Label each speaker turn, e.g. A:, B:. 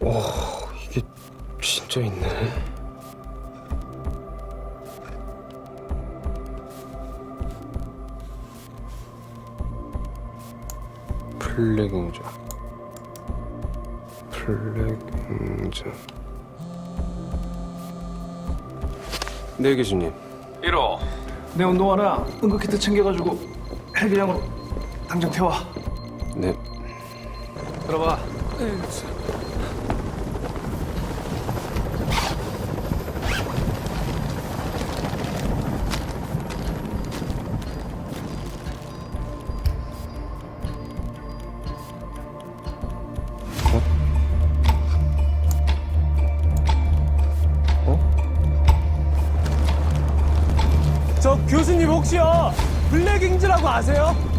A: 이게 진짜 있네. 플래깅자. 네, 교수님.
B: 1호.
C: 내 운동화나 응급키트 챙겨가지고 헬기장으로 당장 태워.
A: 네.
C: 들어봐.
D: 저 교수님 혹시요 블랙잉즈라고 아세요?